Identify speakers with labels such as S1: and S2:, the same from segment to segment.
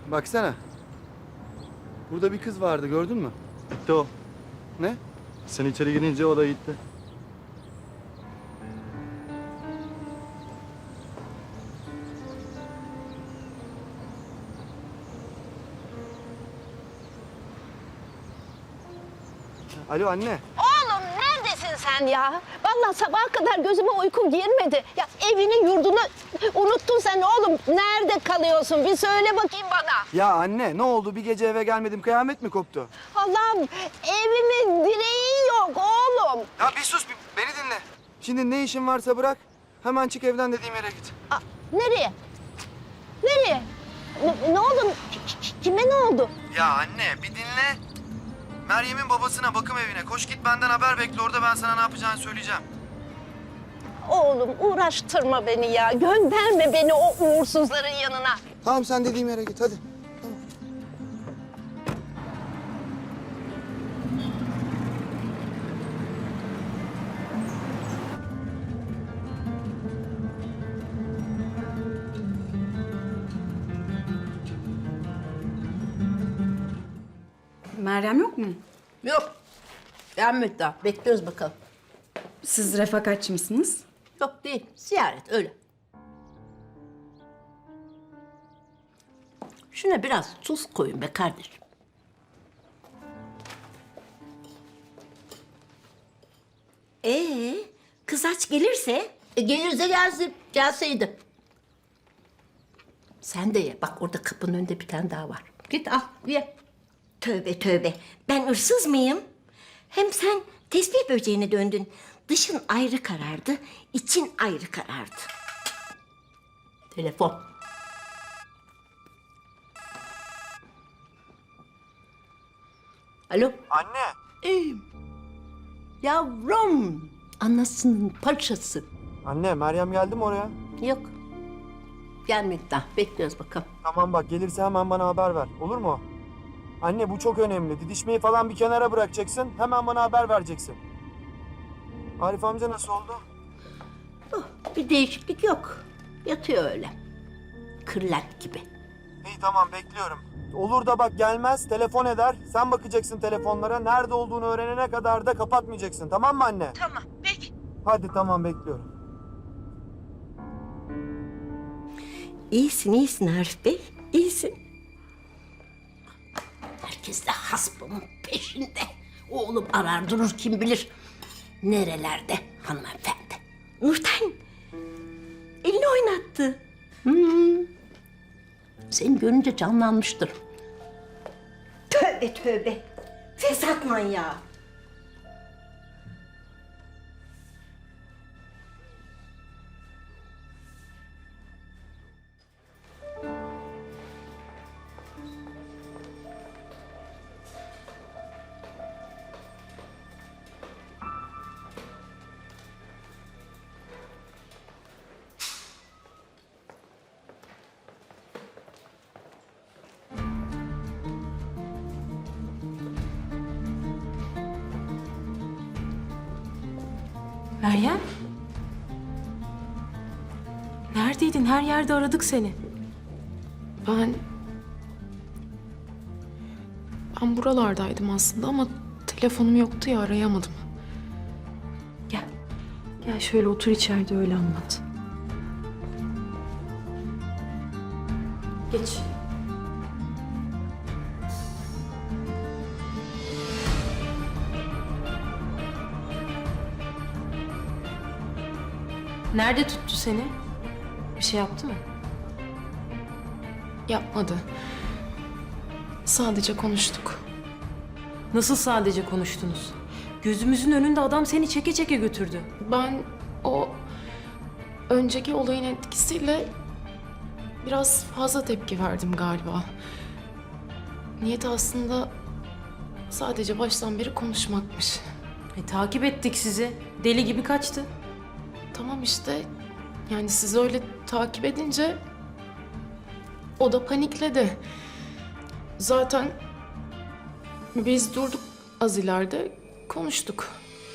S1: Baksana. Burada bir kız vardı, gördün mü?
S2: Gitti o.
S1: Ne?
S2: Sen içeri girince o da gitti.
S1: Alo anne.
S3: Oğlum neredesin sen ya? Vallahi sabaha kadar gözüme uyku girmedi. Ya evini yurdunu unuttun sen oğlum. Nerede kalıyorsun? Bir söyle bakayım bana.
S1: Ya anne ne oldu? Bir gece eve gelmedim, kıyamet mi koptu?
S3: Allah'ım evimin direği yok oğlum.
S1: Ya bir sus, beni dinle. Şimdi ne işin varsa bırak. Hemen çık evden dediğim yere git.
S3: Aa, nereye? Nereye? Ne oldu? Kime ne oldu?
S1: Ya anne bir dinle. Meryem'in babasına bakım evine. Koş git benden haber bekle. Orada ben sana ne yapacağını söyleyeceğim.
S3: Oğlum uğraştırma beni ya. Gönderme beni o uğursuzların yanına.
S1: Tamam sen dediğim yere git hadi.
S4: Meryem yok mu?
S3: Yok. Gelmedi daha. Bekliyoruz bakalım.
S4: Siz refakatçi misiniz?
S3: Yok değil. Ziyaret öyle. Şuna biraz tuz koyun be kardeşim.
S5: Kız aç gelirse?
S3: Gelirse gelsin. Gelseydi. Sen de ye. Bak orada kapının önünde bir tane daha var. Git al ye.
S5: Tövbe tövbe. Ben hırsız mıyım? Hem sen tesbih böceğine döndün. Dışın ayrı karardı, için ayrı karardı.
S3: Telefon. Alo.
S1: Anne.
S3: Yavrum. Anasının paçası.
S1: Anne Meryem geldi mi oraya?
S3: Yok. Gelmedi daha. Bekliyoruz bakalım.
S1: Tamam bak gelirse hemen bana haber ver. Olur mu? Anne bu çok önemli. Didişmeyi falan bir kenara bırakacaksın. Hemen bana haber vereceksin. Arif amca nasıl oldu?
S3: Bir değişiklik yok. Yatıyor öyle. Kırlent gibi.
S1: İyi tamam bekliyorum. Olur da bak gelmez telefon eder. Sen bakacaksın telefonlara. Nerede olduğunu öğrenene kadar da kapatmayacaksın. Tamam mı anne?
S3: Tamam. Peki.
S1: Hadi tamam bekliyorum.
S5: İyisin Arif Bey, iyisin.
S3: Herkes de hasbamın peşinde. Oğlum arar durur kim bilir. Nerelerde hanımefendi.
S5: Nurten, elini oynattı.
S3: Seni görünce canlanmıştır.
S5: Tövbe tövbe, fesat manyağı.
S6: Meryem? Neredeydin? Her yerde aradık seni.
S7: Ben buralardaydım aslında ama telefonum yoktu ya arayamadım.
S6: Gel. Gel şöyle otur içeride öyle anlat. Geç. Nerede tuttu seni? Bir şey yaptı mı?
S7: Yapmadı. Sadece konuştuk.
S6: Nasıl sadece konuştunuz? Gözümüzün önünde adam seni çeke çeke götürdü.
S7: Ben o önceki olayın etkisiyle biraz fazla tepki verdim galiba. Niyeti aslında sadece baştan beri konuşmakmış.
S6: Takip ettik sizi. Deli gibi kaçtı.
S7: Tamam işte yani siz öyle takip edince o da panikledi. Zaten biz durduk az ileride konuştuk.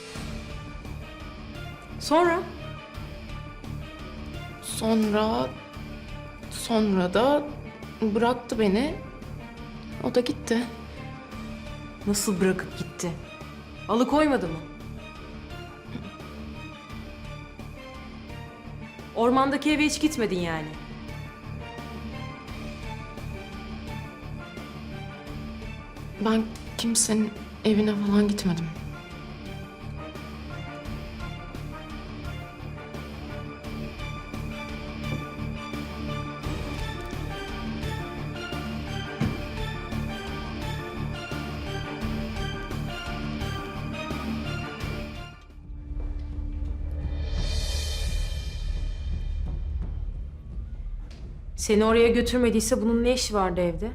S6: Sonra?
S7: Sonra da Bıraktı beni. O da gitti.
S6: Nasıl bırakıp gitti? Alıkoymadı mı? Ormandaki eve hiç gitmedin yani.
S7: Ben kimsenin evine falan gitmedim.
S6: Seni oraya götürmediyse bunun ne işi vardı evde?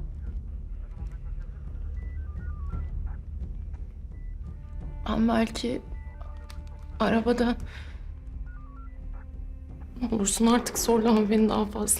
S7: Ben belki arabada... Ne olursun artık zorlama beni daha fazla.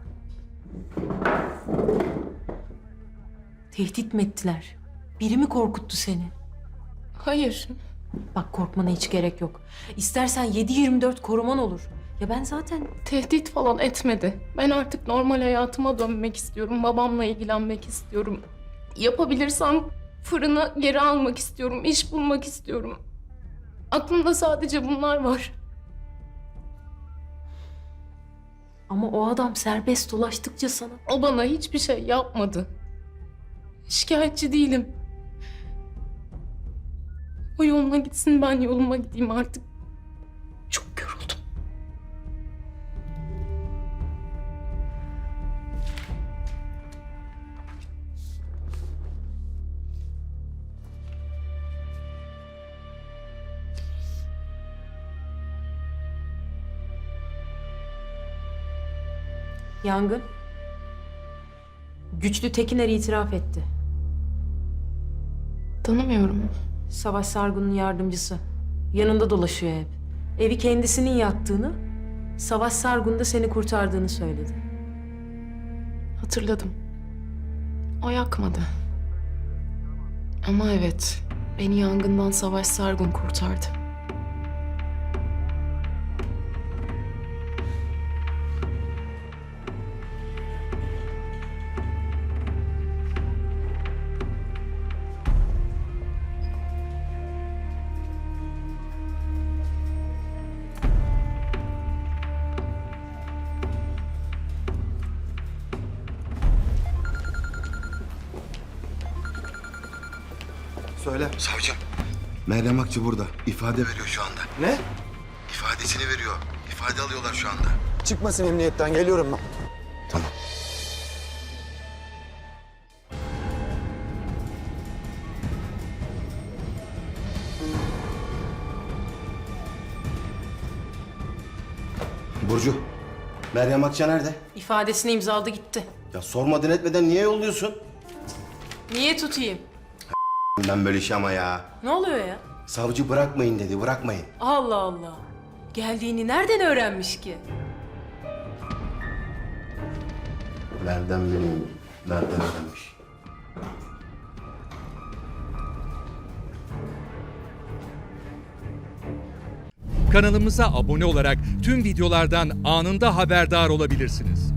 S6: Tehdit mi ettiler? Biri mi korkuttu seni?
S7: Hayır.
S6: Bak korkmana hiç gerek yok. İstersen 7/24 koruman olur. Ya ben zaten...
S7: Tehdit falan etmedi. Ben artık normal hayatıma dönmek istiyorum. Babamla ilgilenmek istiyorum. Yapabilirsem fırını geri almak istiyorum. İş bulmak istiyorum. Aklımda sadece bunlar var.
S6: Ama o adam serbest dolaştıkça sana...
S7: O bana hiçbir şey yapmadı. Şikayetçi değilim. O yoluna gitsin, ben yoluma gideyim artık. Çok yoruldum.
S6: Yangın. Güçlü Tekiner itiraf etti.
S7: Tanımıyorum.
S6: Savaş Sargun'un yardımcısı. Yanında dolaşıyor hep. Evi kendisinin yaktığını, Savaş Sargun da seni kurtardığını söyledi.
S7: Hatırladım. O yakmadı. Ama evet, beni yangından Savaş Sargun kurtardı.
S1: Söyle.
S8: Savcım, Meryem Akçı burada. İfade veriyor şu anda.
S1: Ne?
S8: İfadesini veriyor. İfade alıyorlar şu anda.
S1: Çıkmasın emniyetten, geliyorum ben.
S8: Tamam. Burcu, Meryem Akça nerede?
S6: İfadesini imzaladı gitti.
S8: Ya sormadan etmeden niye yolluyorsun?
S6: Niye tutayım?
S8: Ben böyle iş ama ya.
S6: Ne oluyor ya?
S8: Savcı bırakmayın dedi, bırakmayın.
S6: Allah Allah. Geldiğini nereden öğrenmiş ki?
S8: Nereden bileyim, nereden öğrenmiş?
S9: Kanalımıza abone olarak tüm videolardan anında haberdar olabilirsiniz.